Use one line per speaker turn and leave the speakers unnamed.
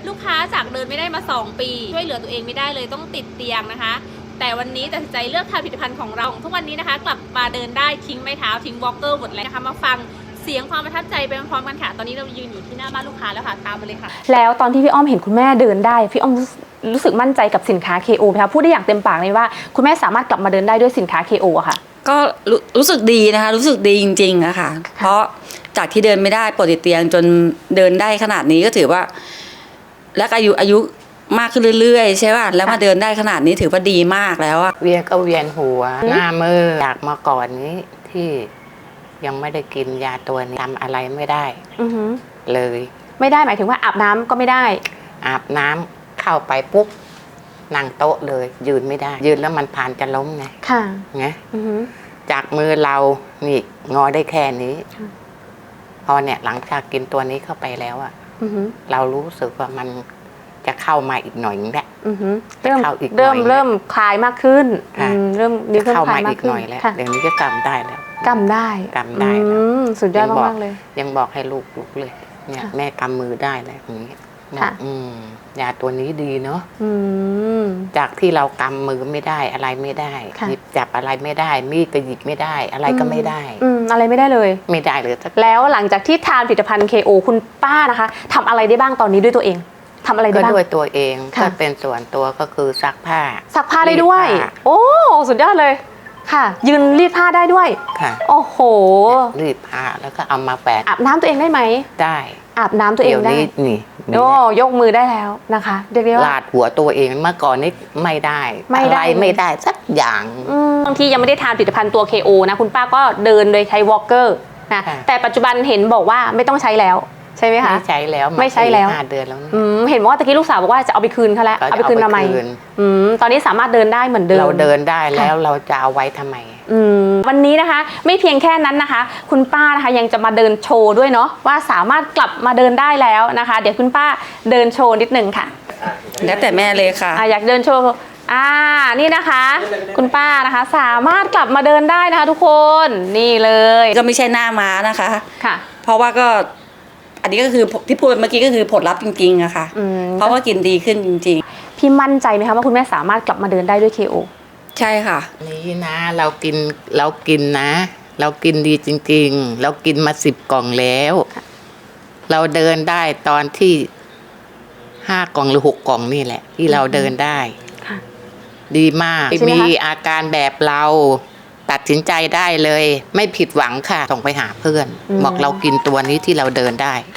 ลูกค้าจากเดินไม่ได้มา2 ปีช่วยเหลือตัวเองไม่ได้เลยต้องติดเตียงนะคะแต่วันนี้ตัดสินใจเลือกทานผลิตภัณฑ์ของเราทุกวันนี้นะคะกลับมาเดินได้ทิ้งไม้เท้าทิ้งวอล์กเกอร์หมดแล้วนะคะมาฟังเสียงความประทับใจไปพร้อมๆกันค่ะตอนนี้เรายืนอยู่ที่หน้าบ้านลูกค้าแล้วค่ะตามมาเลยค่ะแล้วตอนที่พี่อ้อมเห็นคุณแม่เดินได้พี่อ้อมรู้สึกมั่นใจกับสินค้า KO ไหมคะพูดได้อย่างเต็มปากเลยว่าคุณแม่สามารถกลับมาเดินได้ด้วยสินค้า KO อะค่ะ
ก็รู้สึกดีนะคะรู้สึกดีจริงๆอะค่ะเพราะจากที่เดินไม่ได้ปวดติดเตียงจนเดินได้ขนาดนี้ก็ถือว่าและอายุมากขึ้นเรื่อยๆใช่ป่ะแล้วมาเดินได้ขนาดนี้ถือว่าดีมากแล้วอะ
เวียนก็เวียนหัวหน้ามือจากเมื่อก่อนนี้ที่ยังไม่ได้กินยาตัวนี้ทำอะไรไม่ได้เลย
ไม่ได้หมายถึงว่าอาบน้ำก็ไม่ได้
อาบน้ำเข้าไปปุ๊บนั่งโต๊ะเลยยืนไม่ได้ยืนแล้วมันผ่านจะล้มไง
ค่ะ
ไงจากมือเรานี่งอได้แค่นี้พอเนี่ยหลังจากกินตัวนี้เข้าไปแล้วอะเรารู้สึกว่ามันจะเข้ามาอีกหน่อยนึงแหละ
เริ่มคลายมากขึ้นเริ่มนิ้ว
เข้ามาอีกหน่อยแล้วเดี๋ยวนี้ก็กำได้แล้ว
กำได้สุดยอดมากเลย
ยังบอกให้ลูกเลยเนี่ยแม่กำมือได้แล้วอย่างนี้ยาตัวนี้ดีเนาะจากที่เรากำมือไม่ได้อะไรไม่ได้หยิบจับอะไรไม่ได้มีดก็หยิบไม่ได้อะไรก็ไม่ได้
อะไรไม่ได้เลย
ไม่ได้เลย
แล้วหลังจากที่ทานผลิตภัณฑ์ KO คุณป้านะคะทำอะไรได้บ้างตอนนี้ด้วยตัวเองทำอะไรได้บ้าง
ก็ด้วยตัวเองถ้าเป็นส่วนตัวก็คือซักผ้า
ได้ด้วยโอ้สุดยอดเลยค่ะยืนรีดผ้าได้ด้วย
ค่ะ
โอ้โห
รีดผ้าแล้วก็เอามาแปะ
อาบน้ำตัวเองได้ไหม
ได้
อาบน้ำตัวเองได้
นี่
โอ้ยกมือได้แล้วนะคะเรียกได้ว่า
ลาดหัวตัวเองเมื่อก่อนนี้ไม่ได้อะไรไม่ได้สักอย่าง
บางทียังไม่ได้ทานผลิตภัณฑ์ตัว KO นะคุณป้าก็เดินโดยใช้วอล์กเกอร์นะแต่ปัจจุบันเห็นบอกว่าไม่ต้องใช้แล้วใช่ไหมคะ
ไม่ใช้แล้ว5 เดือนแล้ว
เห็นว่าตะกี้ลูกสาวบอกว่าจะเอาไปคืนเขาแล้วเอาไปคืนทำไมตอนนี้สามารถเดินได้เหมือนเดิม
เราเดินได้แล้วเราจะเอาไว้ทำไม
วันนี้นะคะไม่เพียงแค่นั้นนะคะคุณป้านะคะยังจะมาเดินโชว์ด้วยเนาะว่าสามารถกลับมาเดินได้แล้วนะคะเดี๋ยวคุณป้าเดินโชว์นิดนึงค่ะ
แล้วแต่แม่เลยค่ะ
อยากเดินโชว์นี่นะคะคุณป้านะคะสามารถกลับมาเดินได้นะคะทุกคนนี่เลย
ก็ไม่ใช่หน้าม้านะคะ
ค่ะ
เพราะว่าก็อันนี้ก็คือที่พูดเมื่อกี้ก็คือผลลัพธ์จริงๆอะค่ะเพราะว่ากินดีขึ้นจริง
ๆพี่มั่นใจไหมคะว่าคุณแม่สามารถกลับมาเดินได้ด้วย KO
ใช่ค่ะ
นี่นะเรากินนะเรากินดีจริงๆเรากินมา10 กล่องแล้วเราเดินได้ตอนที่5 กล่องหรือ6 กล่องนี่แหละที่เราเดินได้ดีมากมีอาการแบบเราตัดสินใจได้เลยไม่ผิดหวังค่ะส่งไปหาเพื่อนบอกเรากินตัวนี้ที่เราเดินได้